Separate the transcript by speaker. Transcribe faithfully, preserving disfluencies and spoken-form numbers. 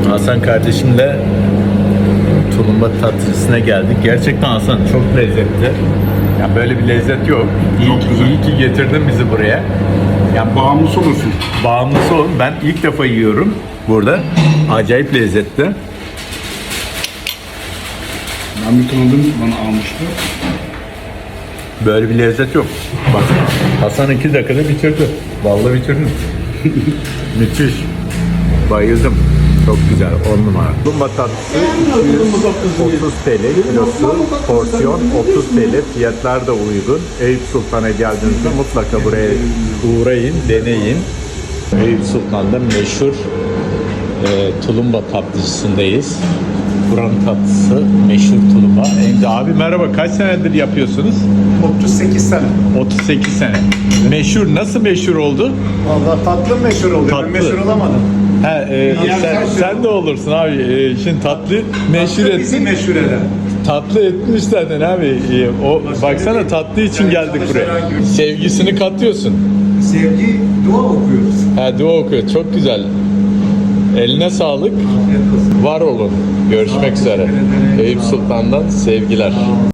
Speaker 1: Hasan kardeşimle tulumba tatlısına geldik. Gerçekten Hasan çok lezzetli. Yani böyle bir lezzet yok. İyi
Speaker 2: Çok
Speaker 1: ki,
Speaker 2: güzel.
Speaker 1: iyi ki getirdin bizi buraya. Yani
Speaker 2: Bağımlısı olursun.
Speaker 1: bağımlısı olun. Ben ilk defa yiyorum burada. Acayip lezzetli.
Speaker 2: Ben bir tanıdığım bana almıştı.
Speaker 1: Böyle bir lezzet yok. Bak Hasan iki dakikada bitirdi. Vallahi bitirdim. Müthiş. Bayıldım. Çok güzel. On numara. Tulumba tatlısı iki yüz otuz TL kilosu. Porsiyon otuz TL. Fiyatlar da uygun. Eyüp Sultan'a geldiğinizde mutlaka buraya uğrayın, deneyin. Eyüp Sultan'da meşhur e, tulumba tatlıcısındayız. Buranın tatlısı meşhur tulumba. Emre abi merhaba. Kaç senedir yapıyorsunuz?
Speaker 3: otuz sekiz sene.
Speaker 1: otuz sekiz sene. Meşhur. Nasıl meşhur oldu?
Speaker 3: Vallahi tatlı meşhur oldu.
Speaker 1: Tatlı.
Speaker 3: Ben meşhur olamadım.
Speaker 1: He, e, sen, sen de olursun abi. E, şimdi tatlı meşhur
Speaker 3: Tatlı bizi
Speaker 1: ettin.
Speaker 3: meşhur eder.
Speaker 1: Tatlı etmiş zaten abi. E, o baksana tatlı için
Speaker 3: Yani
Speaker 1: geldik buraya.
Speaker 3: çalışarak gün-
Speaker 1: Sevgisini katıyorsun.
Speaker 3: Sevgi, dua okuyoruz.
Speaker 1: Ha dua okuyor. Çok güzel. Eline sağlık.
Speaker 3: Afiyet olsun.
Speaker 1: Var olun. Görüşmek üzere. Eyüp Sultan'dan sevgiler.